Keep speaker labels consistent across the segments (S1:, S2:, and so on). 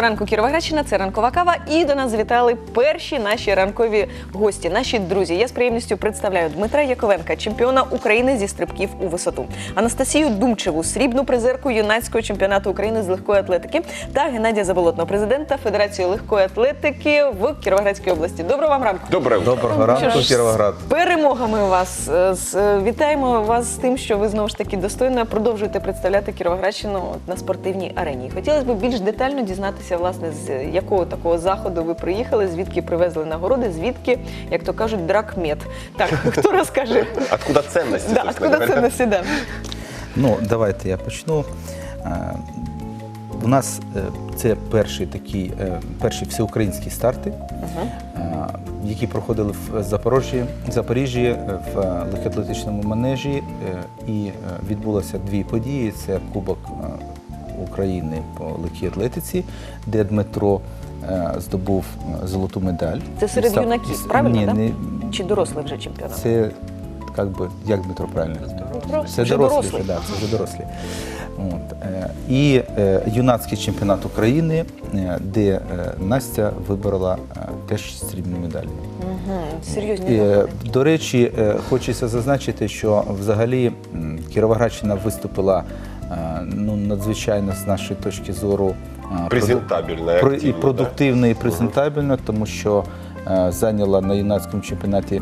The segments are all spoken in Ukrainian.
S1: ранку Кіровоградщина, це ранкова кава. І до нас завітали перші наші ранкові гості, наші друзі. Я з приємністю представляю Дмитра Яковенка, чемпіона України зі стрибків у висоту, Анастасію Думчеву, срібну призерку юнацького чемпіонату України з легкої атлетики, та Геннадія Заболотного, президента Федерації легкої атлетики в Кіровоградській області. Доброго вам ранку.
S2: Доброго ранку, Кіровоград.
S1: Перемогами вас. Вітаємо вас з тим, що ви знову ж таки достойно продовжуєте представляти Кіровоградщину на спортивній арені. Хотілося б більш детально дізнатися, власне, з якого такого заходу ви приїхали, звідки привезли нагороди, звідки, як то кажуть, дракмет. Так, хто розкаже?
S2: Откуда ценності?
S1: Да, откуда ценності, да.
S3: Ну, давайте я почну. У нас це перші всеукраїнські старти, які проходили в Запоріжжі, в легкоатлетичному манежі, і відбулося дві події. Це Кубок України по легкій атлетиці, де Дмитро здобув золоту медаль.
S1: Це серед юнаків, правильно, так?
S3: Ні,
S1: чи дорослий вже чемпіонат?
S3: це, як Дмитро правильно? Це
S1: Вже
S3: дорослі, це вже дорослі. І юнацький чемпіонат України, де Настя виборола теж срібну медаль.
S1: Серйозні.
S3: До речі, хочеться зазначити, що взагалі Кіровоградщина виступила надзвичайно, з нашої точки зору,
S2: презентабельно,
S3: і продуктивно, і презентабельно, тому що зайняла на юнацькому чемпіонаті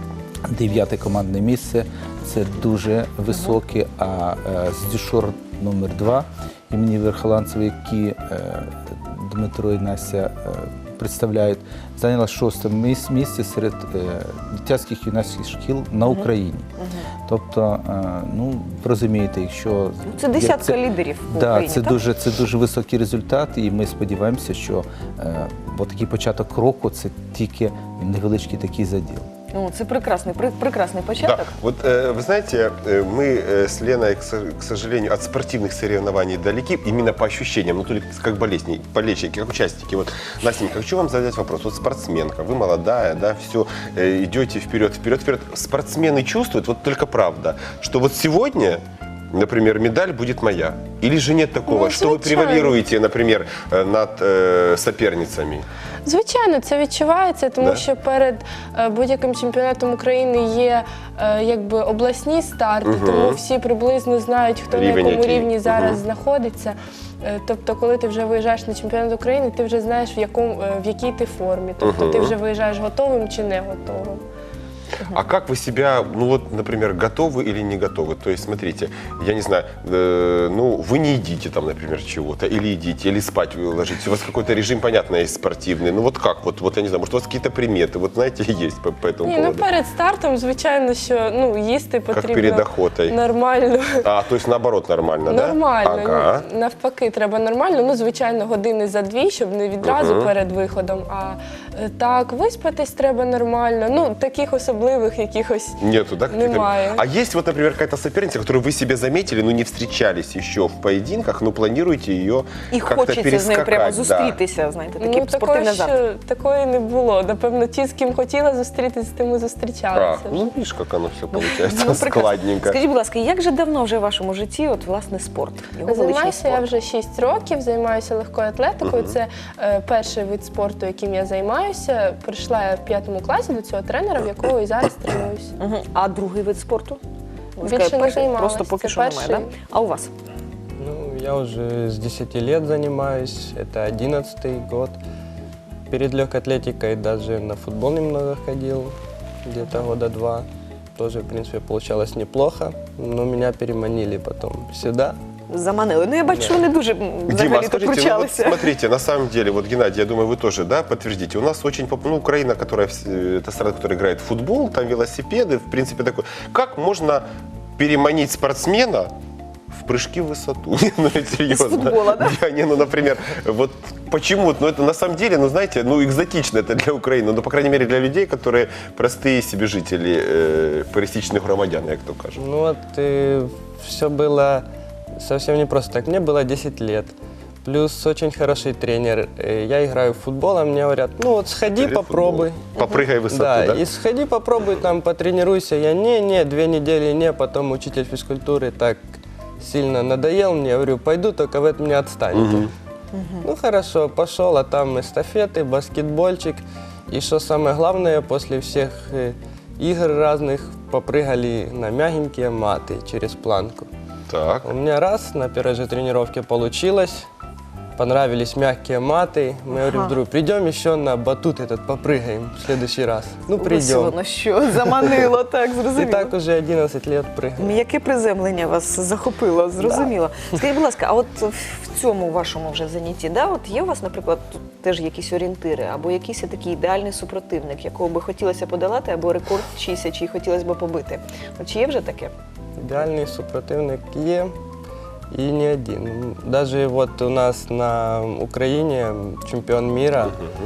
S3: 9-те командне місце. Це дуже високе, а з дюшор номер 2 імені Верхоланцева, які Дмитро і Настя представляють, зайняла 6-те місце серед дитячих юнацьких шкіл на Україні. Тобто, розумієте, якщо...
S1: Це десятка лідерів в Україні, так?
S3: Це дуже високий результат, і ми сподіваємося, що такий початок року – це тільки невеличкий такий заділ.
S1: Це прекрасный початок.
S2: Да. Вот вы знаете, мы с Леной, к сожалению, от спортивных соревнований далеки, именно по ощущениям, только как болельщики, как участники. Вот, Настенька, хочу вам задать вопрос. Вот спортсменка, вы молодая, да, все, идете вперед. Спортсмены чувствуют, вот только правда, что вот сегодня, например, медаль будет моя? Или же нет такого, что вы превалируете, например, над соперницами?
S4: Звичайно, це відчувається, тому що перед будь-яким чемпіонатом України є обласні старти, тому всі приблизно знають, хто на якому рівні зараз знаходиться. Тобто, коли ти вже виїжджаєш на чемпіонат України, ти вже знаєш, в якій ти формі. Тобто, ти вже виїжджаєш готовим чи не готовим.
S2: А как вы себя, например, готовы или не готовы? То есть, смотрите, я не знаю, вы не едите там, например, чего-то, или едите, или спать вы ложитесь. У вас какой-то режим, понятно, есть спортивный. Вот как? Вот я не знаю, может, у вас какие-то приметы, вот знаете, есть по этому поводу?
S4: Перед стартом, звичайно, що їсти потрібно
S2: как перед охотой.
S4: Нормально.
S2: То есть наоборот нормально, да?
S4: Нормально.
S2: Ага.
S4: Навпаки, треба нормально. Звичайно, години за дві, щоб не відразу перед виходом. А так, виспатись треба нормально. Таких особливих якихось
S2: нету, да?
S4: Немає.
S2: А есть вот, например, какая-то соперница, которую вы себе заметили, не встречались еще в поединках, планируете ее как-то перескакать?
S1: І хочеться з нею прямо зустрітися, знаєте, такий спортивний азарт.
S4: Такої не було. Напевно, ті, з ким хотіла зустрітися, з тим і зустрічалися.
S2: Видиш, як воно все виходить складненько.
S1: Скажіть, будь ласка, як же давно вже в вашому житті, власне, спорт?
S4: Займаюся я вже 6 років, займаюся легкою атлетикою. Це перший вид спорту, яким я займаюся. Прийшла я в 5 класі до цього тренера, в якого і зараз тренуюся.
S1: А другий вид спорту?
S4: Більше не займалася.
S1: Просто поки що немає, так? А у вас?
S5: Я уже с 10 лет занимаюсь, это 11-й год. Перед легкой атлетикой даже на футбол немного ходил, где-то года 2. Тоже, в принципе, получалось неплохо, но меня переманили потом сюда.
S1: Заманили. Я бачу, вони дуже
S2: Дима, скажите,
S1: кручалися.
S2: Смотрите, на самом деле, вот, Геннадий, я думаю, вы тоже, да, подтвердите. У нас очень, Украина, это страна, которая играет в футбол, там велосипеды, в принципе, такое. Как можно переманить спортсмена в прыжки в высоту? Серьезно.
S1: С футбола, да?
S2: Например, вот почему? Это на самом деле, знаете, экзотично это для Украины, по крайней мере, для людей, которые простые себе жители, пересечных громадян, как то кажут.
S5: Все было совсем не просто так. Мне было 10 лет. Плюс очень хороший тренер. Я играю в футбол, а мне говорят, сходи, попробуй.
S2: Попрыгай в высоту, да?
S5: И сходи, попробуй, потренируйся. Я, не, 2 недели, не. Потом учитель физкультуры так сильно надоел мне, говорю, пойду, только вы от меня отстанете. Ну хорошо, пошел, а там эстафеты, баскетбольчик. И что самое главное, после всех игр разных попрыгали на мягенькие маты через планку.
S2: Так.
S5: У меня раз на первой же тренировке получилось. Понравились мягкие маты. Мы говорим, друг, придем еще на батут этот попрыгаем в следующий раз. Ну,
S1: Ось
S5: придем.
S1: воно що, заманило, так,
S5: И
S1: зрозуміло.
S5: так уже 11 лет прыгаем.
S1: М'яке приземлення вас захопило, зрозуміло. Скажіть, будь ласка, а от в цьому вашому вже занятті, да, от є у вас, наприклад, тут теж якісь орієнтири, або якийсь такий ідеальний супротивник, якого би хотілося подолати, або рекорд чийсь, чий хотілося б побити? От чи є вже таке?
S5: Идеальный супротивник є. И не один. Даже вот у нас на Украине чемпион мира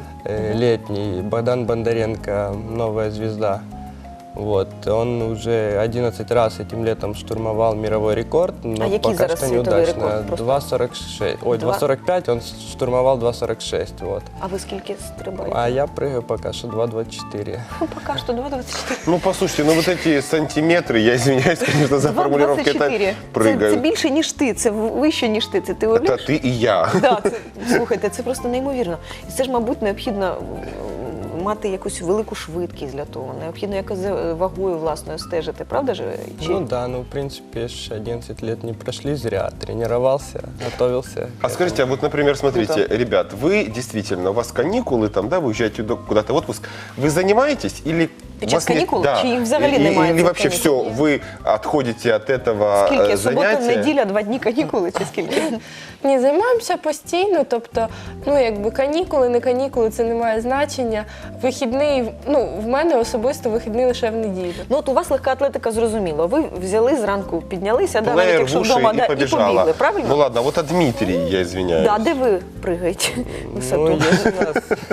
S5: летний Богдан Бондаренко, новая звезда. Вот. Он уже 11 раз этим летом штурмовал мировой рекорд, но
S1: який
S5: пока
S1: зараз
S5: что
S1: світовий
S5: неудачно.
S1: рекорд? Просто
S5: 2,46. Ой,
S1: Два-
S5: 2,45, он штурмовал 2,46. Вот.
S1: А ви скільки стрибаєте?
S5: А я прыгаю пока что 2,24.
S1: Поки що 2,24.
S2: Ну, послушайте, ну вот эти сантиметры, я извиняюсь, конечно, за формулировки, это
S1: 2,24. Це
S2: прыгают.
S1: більше, ніж ти, це вище, ніж ти. Це ти уявляєш?
S2: Это ты и я.
S1: Да, слухайте, це просто неймовірно. І це ж, мабуть, необхідно мати якусь велику швидкість для того. Необхідно якось за вагою власною стежити, правда ж?
S5: Ну да, ну в принципе ж 11 лет не прошли зря. Тренировался, готовился. к
S2: А
S5: этому.
S2: скажите, а вот, например, смотрите, ребят, вы действительно, у вас каникулы там, да, вы уезжаете куда-то в отпуск, вы занимаетесь или...
S1: Під
S2: у
S1: час
S2: вас нет-
S1: канікул?
S2: да.
S1: Чи їх взагалі
S2: Или-
S1: немає
S2: Или
S1: цих
S2: вообще все,
S1: канікул?
S2: вы отходите от этого
S1: Скільки? Субота,
S2: занятия?
S1: неділя, 2 дні канікули чи скільки?
S4: Ні, займаємося постійно, тобто, ну якби канікули, не канікули, це не має значення. Вихідний, ну в мене особисто вихідний лише в неділю.
S1: Ну от у вас легка атлетика, зрозуміло. Ви взяли зранку, піднялися, да, навіть
S2: Плеер в
S1: якщо
S2: уши
S1: вдома,
S2: и
S1: да, і
S2: побежала.
S1: побігли, правильно?
S2: Ну ладно, вот от Дмитрий, я извиняюсь.
S1: Да, де ви пригаєте висоту?
S5: Ну, есть у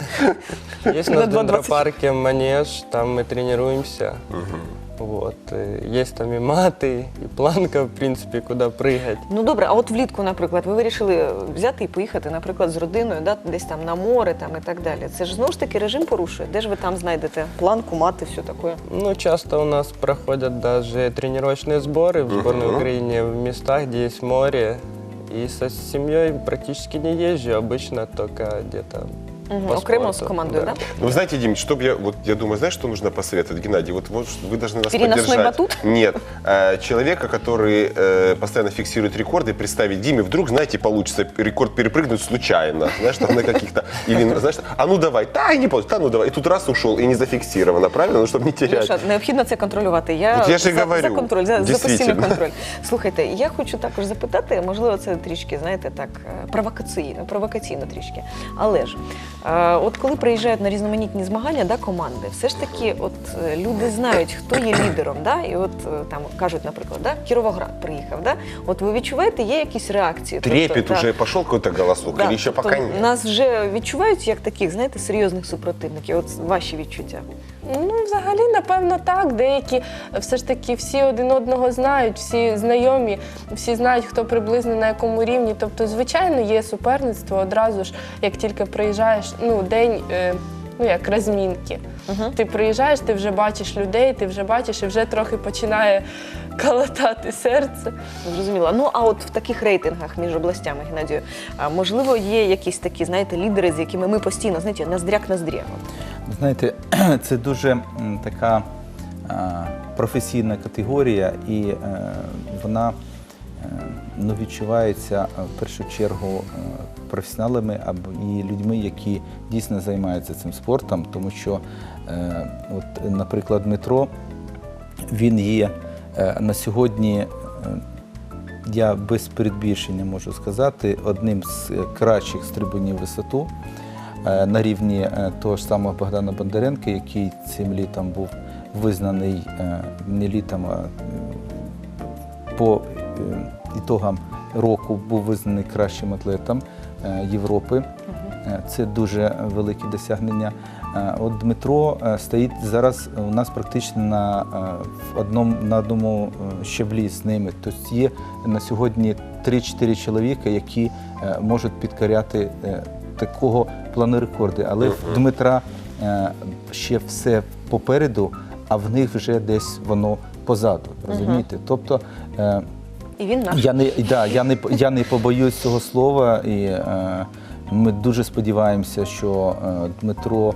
S5: нас, есть у
S1: На
S5: нас в
S1: 2,20.
S5: дендропарке манеж, там мы тренируемся. Вот. Есть там и маты, и планка, в принципе, куда прыгать.
S1: Ну добре, а от влітку, наприклад, ви вирішили взяти і поїхати, наприклад, з родиною, да, десь там на море там, і так далі. Це ж знову ж таки режим порушує. Де ж ви там знайдете планку, мати, все таке?
S5: Ну, часто у нас проходят даже тренировочные сборы в сборной Украине в местах, где есть море. И со семьей практически не езжу, обычно только где-то по
S1: Окремо з
S5: спорту.
S1: командою, да?
S2: Ну, вы знаете, Дим, чтобы я думаю, знаешь, что нужно посоветовать, Геннадий? Вот вы должны нас
S1: Переносной
S2: поддержать.
S1: батут?
S2: Нет, человека, который постоянно фиксирует рекорды, представить Диме, вдруг, знаете, получится рекорд перепрыгнуть случайно, знаешь, там на каких-то, или, знаешь, а ну давай, да, и не получится, да, ну давай, и тут раз ушел, и не зафиксировано, правильно, ну, чтобы не терять.
S1: Леша, необхідно це контролювати. Я,
S2: От я ж і
S1: за
S2: говорю,
S1: контроль, за постійний
S2: дійсно.
S1: контроль. Слухайте, я хочу також запитати, можливо, це трішки, знаєте, так, провокаційно трішки. Але ж, от коли приїжджають на різноманітні змагання, да, команди, все ж таки, от люди знають, хто є лідером, да, і от там кажуть, наприклад, да, Кіровоград приїхав, да, от ви відчуваєте, є якісь реакції?
S2: Трепет
S1: да.
S2: уже пошел какой-то голосок,
S1: Да,
S2: или еще
S1: тобто
S2: пока нет?
S1: нас вже відчувають як таких, знаєте, серйозних супротивників. От ваші відчуття.
S4: Ну, взагалі, напевно, так. Деякі все ж таки всі один одного знають, всі знайомі, всі знають, хто приблизно на якому рівні. Тобто, звичайно, є суперництво одразу ж, як тільки приїжджаєш, ну, день, ну, як розмінки. Ти приїжджаєш, ти вже бачиш людей, ти вже бачиш, і вже трохи починає калатати серце.
S1: Зрозуміла. Ну, а от в таких рейтингах між областями, Геннадію, можливо, є якісь такі, знаєте, лідери, з якими ми постійно, знаєте, ноздря-ноздря.
S3: Знаєте, це дуже така професійна категорія, і вона ну, відчувається в першу чергу професіоналами або і людьми, які дійсно займаються цим спортом, тому що, от, наприклад, Дмитро, він є на сьогодні, я без передбільшення можу сказати, одним з кращих стрибунів висоту на рівні того ж самого Богдана Бондаренка, який цим літом був визнаний не літом, а по ітогам року був визнаний кращим атлетом Європи. Це дуже велике досягнення. От Дмитро стоїть зараз у нас практично на одному щаблі з ними. Тобто є на сьогодні 3-4 чоловіка, які можуть підкоряти такого плану рекорди. Але в Дмитра ще все попереду, а в них вже десь воно позаду. Розумієте? Тобто
S1: І він наш.
S3: Я не побоюсь цього слова, і ми дуже сподіваємося, що Дмитро,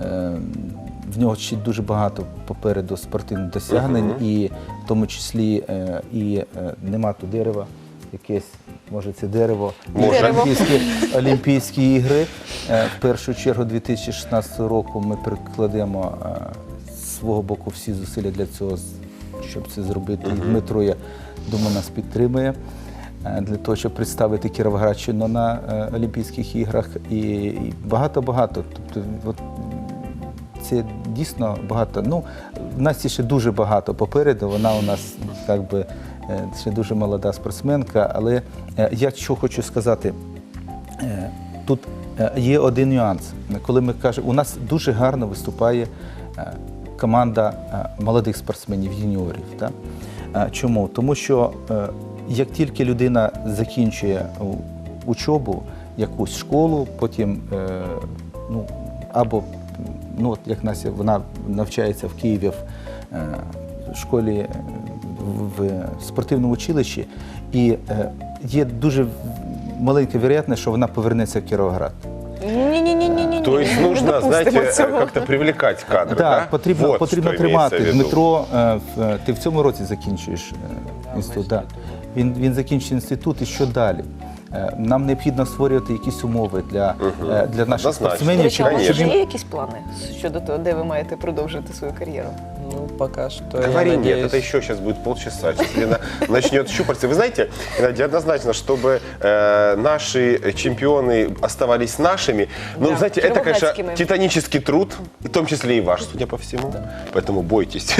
S3: в нього ще дуже багато попереду спортивних досягнень, і в тому числі нема тут дерева, якесь, може це дерево,
S2: Може.
S3: Олімпійські ігри. В першу чергу 2016 року ми прикладемо з свого боку всі зусилля для цього, щоб це зробити. І Дмитро, я думаю, нас підтримує для того, щоб представити Кіровоградщину на Олімпійських іграх. І багато-багато. Тобто, от, це дійсно багато. Ну, в Насті ще дуже багато попереду, вона у нас якби ще дуже молода спортсменка, але я що хочу сказати, тут є один нюанс. Коли ми кажемо, у нас дуже гарно виступає команда молодих спортсменів, юніорів. Так? Чому? Тому що як тільки людина закінчує учобу, якусь школу, потім або от як Настя, вона навчається в Києві в школі, в спортивному училищі, і є дуже маленька вірогідність, що вона повернеться в Кіровоград.
S1: Ні.
S2: То есть нужно, знаете, как-то привлекать кадры, да?
S3: Так, потрібно
S2: что
S3: тримати.
S2: имеется в виду.
S3: Дмитро, ти в цьому році закінчуєш інститут. Да. Він закінчить інститут, і що далі? Нам необхідно створювати якісь умови для наших
S2: Однозначно.
S3: спортсменів.
S1: До речі, а у вас
S2: Конечно.
S1: вже є якісь плани щодо того, де ви маєте продовжити свою кар'єру?
S5: Ну, пока что
S2: Говори
S5: я
S2: нет,
S5: надеюсь...
S2: это еще сейчас будет полчаса. Сейчас Лена начнет щупаться. Вы знаете, Геннадий, однозначно, чтобы наши чемпионы оставались нашими, ну,
S1: Да,
S2: знаете, это, конечно,
S1: кировоградскими.
S2: титанический труд, в том числе и ваш, судя по всему. Поэтому бойтесь.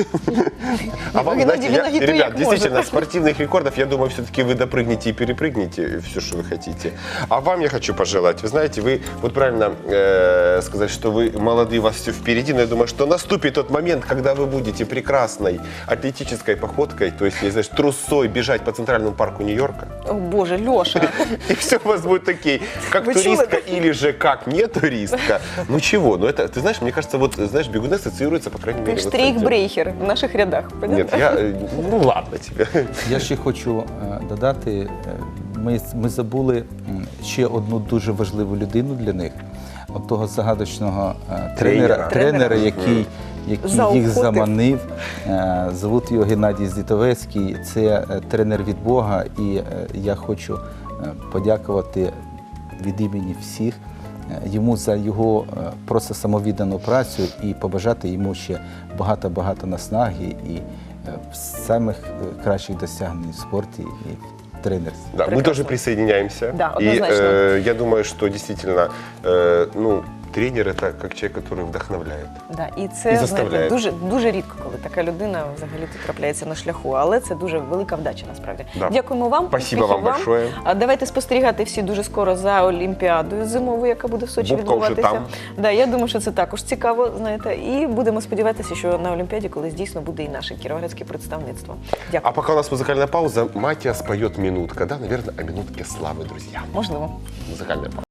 S2: А вам,
S1: Геннадий,
S2: знаете,
S1: Геннадий, ты
S2: ребят,
S1: как
S2: действительно,
S1: может.
S2: спортивных рекордов, я думаю, все-таки вы допрыгнете и перепрыгнете все, что вы хотите. А вам я хочу пожелать, вы знаете, вы вот правильно сказать, что вы молодые, у вас все впереди, но я думаю, что наступит тот момент, когда вы будете прекрасной атлетической походкой, то есть, знаешь, трусой бежать по Центральному парку Нью-Йорка,
S1: О, Боже, Льоша.
S2: и все у вас будет такие, как
S1: Вы
S2: туристка
S1: чули?
S2: или же как не туристка. Ну чего, ну это, ты знаешь, мне кажется, вот, знаешь, бегуны ассоциируются, по крайней мере,
S1: Ти
S2: вот с этим.
S1: штрейк-брейхер в наших рядах.
S2: Нет, я, ну ладно тебе.
S3: Я ще хочу додати, ми забули ще одну дуже важливу людину для них, от того загадочного тренера, який їх
S1: Заохотив.
S3: заманив. Звуть його Геннадій Здітовецький, це тренер від Бога, і я хочу подякувати від імені всіх йому за його просто самовіддану працю і побажати йому ще багато-багато наснаги і самих кращих досягнень в спорті і в тренерстві.
S2: Да, мы
S1: Прекрасно.
S2: тоже присоединяемся.
S1: Да,
S2: и
S1: однозначно.
S2: я думаю, что действительно, ну, тренер это как человек, который вдохновляет.
S1: Да, і
S2: І
S1: це
S2: заставляє.
S1: знаєте, дуже рідко, коли така людина взагалі трапляється на шляху, але це дуже велика вдача насправді.
S2: Да.
S1: Дякуємо вам.
S2: Спасибо
S1: успіхів
S2: вам большое.
S1: А давайте спостерігати всі дуже скоро за Олімпіадою зимовою, яка буде в Сочі
S2: Бубка вже
S1: відбуватися.
S2: там.
S1: Да, я думаю, що це також цікаво, знаєте, і будемо сподіватися, що на Олімпіаді колись дійсно буде і наше кіровоградське представництво. Дякую.
S2: А пока у нас музыкальная пауза, Матиас поет минутка, да, наверное, о минутке славы, друзья.
S1: Можливо.
S2: Музыкальная пауза.